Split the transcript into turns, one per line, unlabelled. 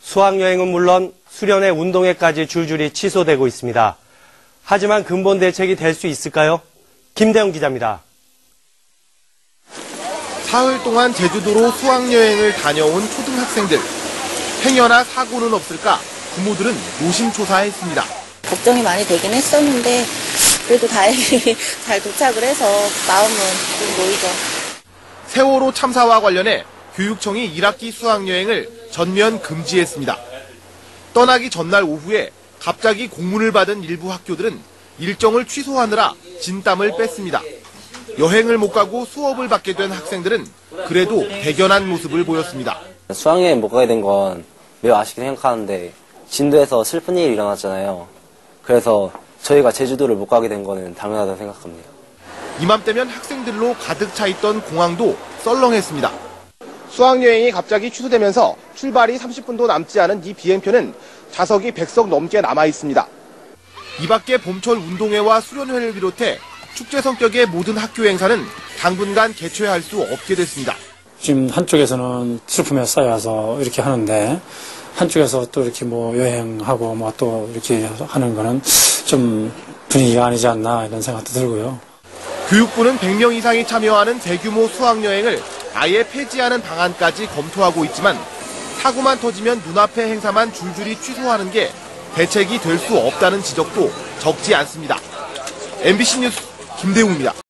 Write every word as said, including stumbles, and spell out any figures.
수학여행은 물론 수련회 운동회까지 줄줄이 취소되고 있습니다. 하지만 근본 대책이 될 수 있을까요? 김대웅 기자입니다.
사흘 동안 제주도로 수학여행을 다녀온 초등학생들. 행여나 사고는 없을까 부모들은 노심초사했습니다.
걱정이 많이 되긴 했었는데 그래도 다행히 잘 도착을 해서 마음은 좀 놓이죠.
세월호 참사와 관련해 교육청이 일 학기 수학여행을 전면 금지했습니다. 떠나기 전날 오후에 갑자기 공문을 받은 일부 학교들은 일정을 취소하느라 진땀을 뺐습니다. 여행을 못 가고 수업을 받게 된 학생들은 그래도 대견한 모습을 보였습니다.
수학여행 못 가게 된 건 매우 아쉽게 생각하는데 진도에서 슬픈 일이 일어났잖아요. 그래서 저희가 제주도를 못 가게 된 거는 당연하다고 생각합니다.
이맘때면 학생들로 가득 차 있던 공항도 썰렁했습니다. 수학여행이 갑자기 취소되면서 출발이 삼십 분도 남지 않은 이 비행편은 좌석이 백 석 넘게 남아 있습니다. 이 밖에 봄철 운동회와 수련회를 비롯해 축제 성격의 모든 학교 행사는 당분간 개최할 수 없게 됐습니다.
지금 한쪽에서는 슬픔에 쌓여서 이렇게 하는데 한쪽에서 또 이렇게 뭐 여행하고 뭐 또 이렇게 하는 거는 좀 분위기가 아니지 않나 이런 생각도 들고요.
교육부는 백 명 이상이 참여하는 대규모 수학여행을 아예 폐지하는 방안까지 검토하고 있지만 사고만 터지면 눈앞의 행사만 줄줄이 취소하는 게 대책이 될 수 없다는 지적도 적지 않습니다. 엠비씨 뉴스 김대웅입니다.